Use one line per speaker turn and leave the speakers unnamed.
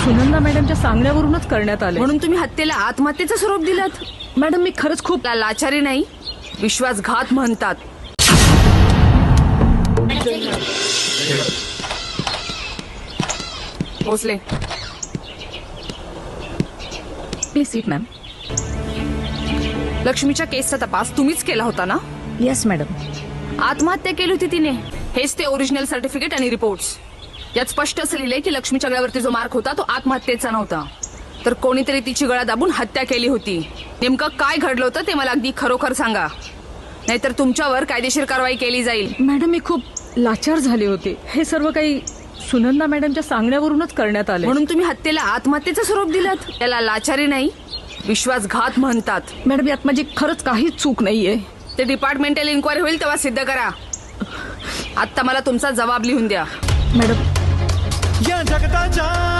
सुनंदा मॅडमच्या सांगण्यावरूनच करण्यात आले.
म्हणून तुम्ही हत्येला आत्महत्येचं स्वरूप दिलं.
मॅडम मी खरंच खूप
त्याला लाचारी नाही, विश्वासघात म्हणतात. Bhosale,
please sit ma'am.
लक्ष्मीच्या केसचा तपास तुम्हीच केला होता ना?
Yes madam.
आत्महत्या केली होती तिने, हेच ते ओरिजिनल सर्टिफिकेट आणि रिपोर्ट्स. यात स्पष्ट असं लिहिलंय की लक्ष्मीच्या गळ्यावरती जो मार्क होता तो आत्महत्येचा नव्हता, तर कोणीतरी तिची गळा दाबून हत्या केली होती. नेमकं काय घडलं होतं ते मला अगदी खरोखर सांगा, नाहीतर तुमच्यावर कायदेशीर कारवाई केली जाईल.
मॅडम मी खूप लाचार झाले होते. हे सर्व काही सुनंदा मॅडमच्या सांगण्यावरूनच करण्यात आले.
म्हणून तुम्ही हत्येला आत्महत्येचं स्वरूप दिलं. त्याला लाचारी नाही, विश्वासघात म्हणतात.
मॅडम यात माझी खरंच काहीच चूक नाहीये.
ते डिपार्टमेंटल इन्क्वायरी होईल तेव्हा सिद्ध करा. आता मला तुमचा जबाब लिहून द्या.
मॅडम
या जगताच्या